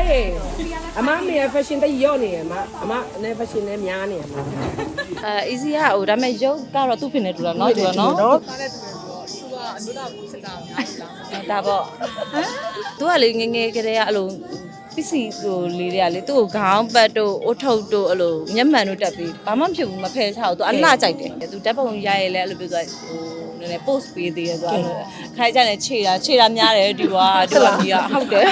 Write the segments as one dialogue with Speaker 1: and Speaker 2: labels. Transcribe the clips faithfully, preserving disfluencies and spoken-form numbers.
Speaker 1: ရေအမမေ fashion တိတ်ရော့နေရမအမနဲ့ fashion နဲ့များနေရမ
Speaker 2: အဲ easy อ่ะဟိုဒါပေမဲ့ရုပ်ကတော့သူ့ဖြစ်နေတူတာเนาะတူတာเนาะ
Speaker 1: နော်
Speaker 3: ကားနဲ့တူတယ်ဆိုတော့သူကအမျိုးသားဘူးစစ်တာအများကြီးလား
Speaker 2: ဒါပေါ့သူကလေငငယ်ကလေးကအဲ့လိုပစ္စည်းဟိုလေးတွေကလေသူ့ကိုခေါင်းပတ်တို့အုတ်ထုတ်တို့အဲ့လိုမျက်မှန်တို့တက်ပြီးဘာမှမဖြစ်ဘူးမဖယ်ချဘူးသူအလှကြိုက်တယ်သူတက်ပုံရရဲလဲအဲ့လိုပြောဆိုဟိုနည်းနည်း post ပေးသေးတယ်သူအဲ့လိုခိုင်းကြတယ်ခြေတာခြေတာများတယ်ဒီကွာဒီကွာကြီးကဟုတ်တယ်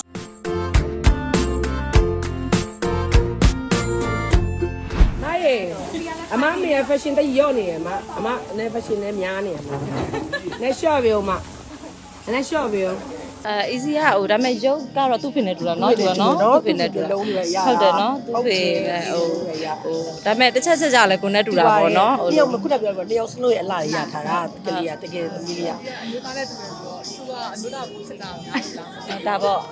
Speaker 1: နိုင်ရေအမမေ fashion တိတ်ရော့နေရမအမနဲ့ fashion နဲ့များနေရမနဲ့ short ပြီမနဲ့ short ပြီ
Speaker 2: အဲ easy อ่ะဟိုဒါပေမဲ့ရုပ်ကတော့သူ့ဖြစ်နေတူတာเนาะတူတာเนาะသူ့ဖြစ်နေတူတာဟုတ်တယ်เนาะသူ့ဖြစ်ဟိုဟိုဒါပေမဲ့တစ်ချက်ချက်ကြလဲကိုနဲ့တူတာပေါ့เนาะ
Speaker 1: ဟိုတယောက်ခုနပြောပြောတယောက်စလို့ရအလားရထားတာကလေးကတကယ်သမီးလေးကအ
Speaker 3: မျိုးသားနဲ့တူတယ်ဆိုတော့သူကအမျိုးသားဘူးစစ်တာအများကြီးလား
Speaker 2: ဒါပေါ့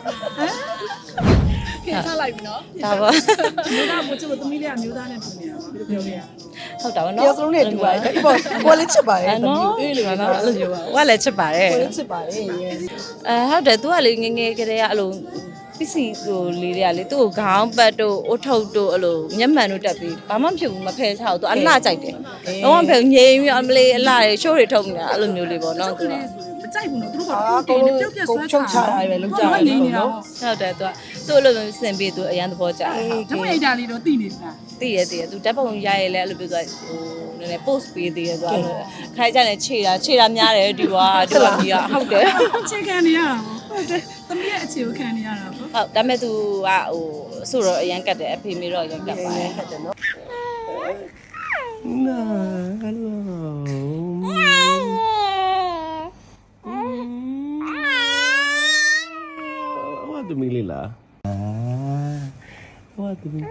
Speaker 3: ပြင်ချလိုက်ပြီနော်
Speaker 2: ဒါပေါ့
Speaker 3: မျိုးသားဘူးချစ်လို့သမီးလေးကမျိုးသားနဲ့တူနေတာပါဘယ်လိုပြောလဲရ
Speaker 2: ဟုတ်တာပေါ့
Speaker 1: တ
Speaker 2: เนาะ
Speaker 1: ယောက်စလုံးနဲ့တူပါတယ်ဒီပေါ်ကိုလည်းချစ်ပါတယ်သမီး
Speaker 2: အေးလေနော်အဲ့လိုမျိုးပါဟိုကလည်းချစ်ပါတယ်
Speaker 1: ကိုလည်းချစ်ပါတယ်
Speaker 2: အဲဟုတ်တယ်သူကလေငငယ်ကလေးကအဲ့လိုပစ္စည်းဟိုလေးတွေကလေသူ့ကိုခေါင်းပတ်တို့အုတ်ထုတ်တို့အဲ့လိုမျက်မှန်တို့တက်ပြီးဘာမှမဖြစ်ဘူးမဖယ်ချဘူးသူအလှကြိုက်တယ်တော့မဖယ်ငြိမ်ပြီးအမလေးအလှတွေရှိုးတွေထုတ်နေတာအဲ့လိုမျိုးလေးပေါ့နော်သူက
Speaker 3: မကြိုက်ဘူးနော်သူတို့ကတူတယ်ပြုတ်ပြဆွဲချတာ
Speaker 1: ပဲလုံးကြတယ်နော်
Speaker 2: ဟုတ်တယ်သူကသူ့အလိုမျိုးစင်ပြီးသူအရန်သဘောကျတယ်
Speaker 3: ဓမ္မအိတ်တာလေးတော့သိနေလား
Speaker 2: သိရသိရသူတက်ပုံရရဲလဲအဲ့လိုပြောဆိုဟိုနည်းနည်း post ပေးသေးတယ်သူအဲ့လိုခိုင်းကြတယ်ခြေတာခြေတာများတယ်ဒီကွာဒီကွာကြီးကဟုတ်တယ်
Speaker 3: အခြေခံနေရတာဟုတ်တယ်သမီးရဲ့အခြေကိုခံနေရတာပေါ့
Speaker 2: ဟုတ်ဒါပေမဲ့သူကဟိုဆိုတော့အရန်ကတ်တယ်အဖေမေတော့အရန်ကတ်ပါတယ်
Speaker 1: ကတ်တယ်နော်နာဟယ်လိုဝါဒမီလီလာဝါဒမီလီ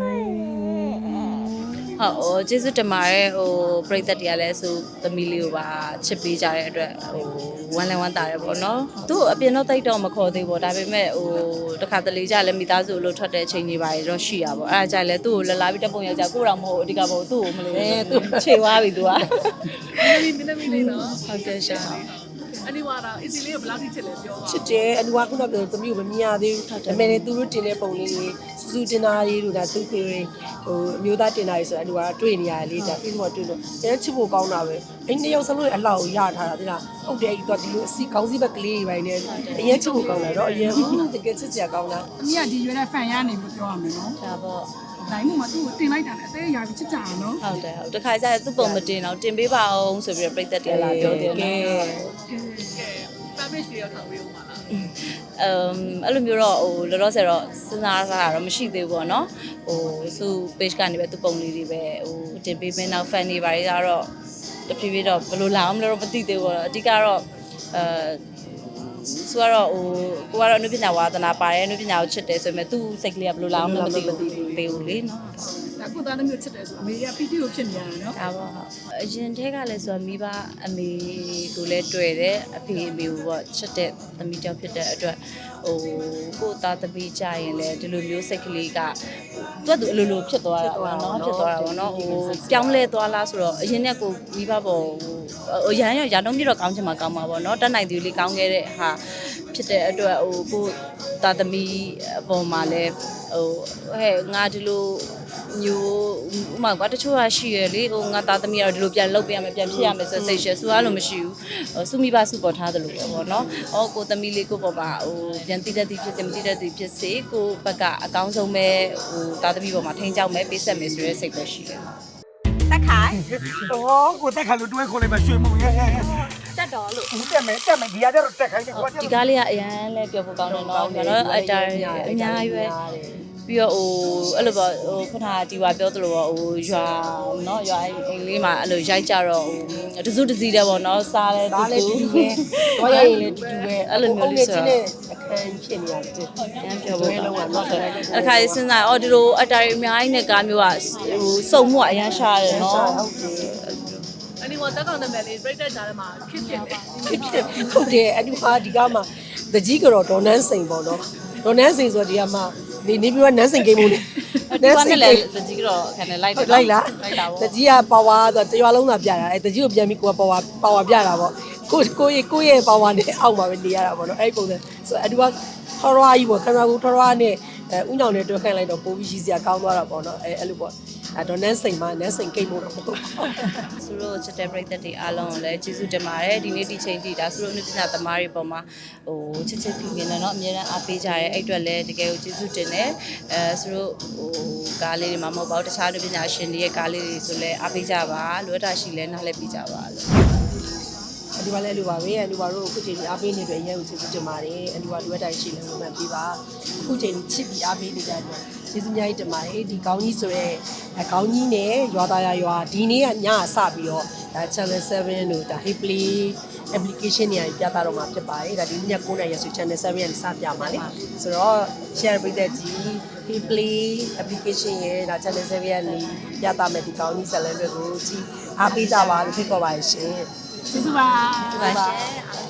Speaker 2: ဟုတ်ကျေးဇူးတင်ပါတယ်ဟိုပရိသတ်တွေကလည်းဆိုသမီးလေးကိုပါချစ်ပေးကြတဲ့အတွက်ဟိုဝမ်းလည်းဝမ်းသာတယ်ပေါ့နော်သူ့အပြင်တော့တိတ်တော့မခေါ်သေးဘူးဒါပေမဲ့ဟိုတခါတလေကြလည်းမိသားစုလို့ထွက်တဲ့အချိန်တွေပါတော့ရှိရပါပေါ့အဲ့ဒါကြလည်းသူ့ကိုလလာပြီးတက်ပုံယောက်ျားကိုတော့မဟုတ်အဓိကပေါ့သူ့ကိုမလို့သူ့ခြေသွားပြီသူက
Speaker 3: မင်းမင်းမင်းလေးနော်
Speaker 2: ဟုတ်တယ်ရှာ
Speaker 3: အနီဝါတော့ easy လေးကိုဘယ်လောက်ထိချစ်လဲပြောပါ
Speaker 1: ချစ်တယ်အနူကခုနပြောသမီးကိုမမြင်ရသေးဘူးဒါပေမဲ့သူတို့တင်တဲ့ပုံလေးတွေစူးစူးတင်တာလေးတို့ဒါသူ့ဖေဟိုအမျိုးသားတင်တာလေးဆိုတော့အနူကတွေ့နေရတယ်လေဒါပြီးတော့တွေ့လို့အဲချစ်ဖို့ကောင်းတာပဲအဲ့နှစ်ယောက်စလုံးရဲ့အလှကိုရထားတာသိလားဟုတ်တယ်အဲ့တော့ဒီလိုအစီကောင်းစီဘက်ကလေးတွေပိုင်းနဲ့အရင်ချစ်ဖို့ကောင်းတာတော့အရင်တကယ်ချစ်စရာကောင်းတာ
Speaker 3: အမေကဒီရွယ်တဲ့ fan ရနေလို့ပြောရမယ်နော်
Speaker 2: ဒါပေါ့
Speaker 3: တိုင်းမှာသူ့ကိုတင်လိုက်တာလည်းအသေးရာပြီးချစ်ကြတာနော်
Speaker 2: ဟုတ်တယ်ဟုတ်တခါကျရင်သူ့ပုံမတင်တော့တင်ပေးပါအောင်ဆိုပြီးတော့ပြိသက်တယ်လာပြောတယ်နော်
Speaker 3: page တွေရောထောင်ပေးဦးမှာလား
Speaker 2: အမ်အဲ့လိုမျိုးတော့ဟိုလောလောဆယ်တော့စဉ်းစားတာတော့မရှိသေးဘူးပေါ့နော်ဟိုသူ့ page ကနေပဲသူ့ပုံလေးတွေပဲဟိုတင်ပေးမယ်နောက် fan တွေပါတွေကတော့တဖြည်းဖြည်းတော့ဘယ်လိုလာအောင်လဲတော့မသိသေးဘူးပေါ့အဓိကတော့အဲဆိုတော့ဟိုကိုကတော့အနုပညာဝါသနာပါတယ်အနုပညာကိုချစ်တယ်ဆိုပေမဲ့သူ့စိတ်ကလေးကဘယ်လိုလာအောင်လဲမသိဘူးသေးဘူးလေနော်
Speaker 3: ဒါကိုသားသမီးကိုချစ်တယ်ဆိုအမေက ပီတီ ကိုဖြစ်နေရတယ်နော်
Speaker 2: ဒါပေါ့အရင်တည်းကလည်းဆိုတော့မိဘအမေကိုလည်းတွေ့တယ်အဖေအမေကိုပေါ့ချစ်တဲ့သမီးကြောင့်ဖြစ်တဲ့အတွက်ဟိုကိုသားသမီးကြရင်လည်းဒီလိုမျိုးစိတ်ကလေးကသူကသူအလိုလိုဖြစ်သွားတာပေါ့နော်ဖြစ်သွားတာပေါ့နော်ဟိုပြောင်းလဲသွားလားဆိုတော့အရင်ကကိုမိဘပေါ့ဟိုရန်ရရတော့ပြတော့ကောင်းချင်မှာကောင်းမှာပေါ့နော်တက်နိုင်သူလေးကောင်းခဲ့တဲ့ဟာဖြစ်တဲ့အတွက်ဟိုကိုသားသမီးအပေါ်မှာလည်းဟိုဟဲ့ငါဒီလိုမျိုးဥမာကတချို့ကရှိရလေဟိုငါသားသမီးကတော့ဒီလိုပြန်လုပ်ပေးရမယ်ပြန်ဖြစ်ရမယ်ဆိုစိတ်ရှယ်ဆိုအဲ့လိုမရှိဘူးစုမိဘစုပေါ်ထားတယ်လို့ပေါ့နော်။အော်ကိုသမီးလေးကိုပေါ်မှာဟိုပြန်တိတတ်သည်ဖြစ်စေမတိတတ်သည်ဖြစ်စေကိုဘက်ကအကောင်းဆုံးပဲဟိုသားသမီးပေါ်မှာထိန်းချောက်မယ်ပေးဆက်မယ်ဆိုတဲ့စိတ်ပဲရှိတယ်
Speaker 4: ။တက်ခိုင်
Speaker 5: ။အော်ကိုတက်ခိုင်လို့တွဲခေါ်လိုက်မှရွှေမုံရဲ့
Speaker 4: ။တက်တော်လို့
Speaker 5: တက်မယ်တက်မယ်ဒီကတော့တက်ခိုင်တယ်ကွာ
Speaker 2: ဒီကားလေးကအရန်လဲပြောဖို့ကောင်းတယ်နော်ကျွန်တော်အတိုင်းအများကြီးပဲပြီးတော့ဟိုအဲ့လိုပေါ့ဟိုခုနကဒီဝါပြောသလိုပေါ့ဟိုရွာเนาะရွာအိမ်လေးမှာအဲ့လိုရိုက်ကြတော့ဟိုတစုတစည်းတယ်ပေါ့เนาะစားလဲတူတူ
Speaker 1: ပဲတော့ရရင်လည်းတူတူပဲ
Speaker 2: အဲ့လိုမျိုးလေးဆိုတော့
Speaker 1: အခန်းဖြစ်နေရတယ်
Speaker 2: အရန်ပြောဖို့လုံးဝတော့အခါစဉ်းစားအော်ဒီလိုအတားအများကြီးနဲ့ကားမျိုးကဟိုစုံမှုအရန်ရှားတယ်เนาะ
Speaker 1: ဟုတ်တယ်
Speaker 3: အနီဝါတက်ကောင်နာမည်လေး break တက်ကြတယ်မှာဖြစ်ဖြစ်
Speaker 1: ဖြစ်ဖြစ်ဟုတ်တယ်အတူဟာဒီကမှတကြီးကတော့ဒေါ်နန်းစိန်ပေါ့နော်ဒေါ်နန်းစိန်ဆိုဒီကမှနေနေပြီးတော့နန်းစိန်ကိန်းမှုလေ
Speaker 2: နန်းစိန်လည်းတကြီးကတော့ခဏလိုက်
Speaker 1: လိုက်လားလိုက်တာပေါ့တကြီးကပါဝါဆိုတရွာလုံးသာပြတာအဲတကြီးကိုပြန်ပြီးကိုကပါဝါပါဝါပြတာပေါ့ကိုကိုရဲ့ကိုရဲ့ပါဝါနဲ့အောက်မှာပဲနေရတာပေါ့နော်အဲ့ပုံစံဆိုတော့အတူကထော်ရွာကြီးပေါ့ခဏကူထော်ရွာနဲ့အဲဥညောင်နဲ့တွဲခိုင်းလိုက်တော့ပိုးပြီးရှိစရာကောင်းသွားတာပေါ့နော်အဲအဲ့လိုပေါ့အဲတော့နန်းစိန်မှာနန်းစိန်ကိတ်မို့တော့ပေါ့
Speaker 2: သူတို့ချစ်တဲ့ပရိသတ်တွေအားလုံးကိုလည်းကျေးဇူးတင်ပါတယ်ဒီနေ့ဒီချိန်ထိဒါသူတို့အနုပညာသမားတွေပေါ်မှာဟိုချစ်ချစ်ခင်ခင်နဲ့เนาะအများအားအားပေးကြရဲအဲ့အတွက်လည်းတကယ်ကိုကျေးဇူးတင်တယ်အဲသူတို့ဟိုကားလေးတွေမှာမဟုတ်ပါဘူးတခြားအနုပညာရှင်တွေရဲ့ကားလေးတွေဆိုလည်းအားပေးကြပါလိုအပ်တာရှိလဲနားလည်ပေးကြပါလို့
Speaker 1: အတူပါလဲလိုပါပဲအတူပါတို့အခုချိန်ကြီးအားပေးနေတဲ့အရင်ကိုကျေးဇူးတင်ပါတယ်အတူပါလိုအပ်တိုင်းရှိလဲဝင်မှန်ပေးပါအခုချိန်ကြီးချစ်ပြီးအားပေးနေကြတယ်ကျေးဇူးများကြီးတင်ပါတယ်ဒီကောင်းကြီးဆိုရဲကောင်းကြီးနဲ့ရွာသားရရွာဒီနေ့ကညစပြီးတော့ဒါ channel seven တို့ဒါ Hey Play application တွေပြသတော့မှာဖြစ်ပါတယ်ဒါဒီည9နာရီဆို channel seven ရဲ့စပြမှာလေဆိုတော့ share ပေးတဲ့ကြီး Hey Play application ရဲ့ဒါ channel seven ရဲ့ပြသမယ်ဒီကောင်းကြီးဇာတ်လမ်းတွေကိုကြည့်အားပေးကြပါလို့ဖိတ်ခေါ်ပါရှင်
Speaker 3: ကျေးဇူးပါ
Speaker 2: ပါရှင်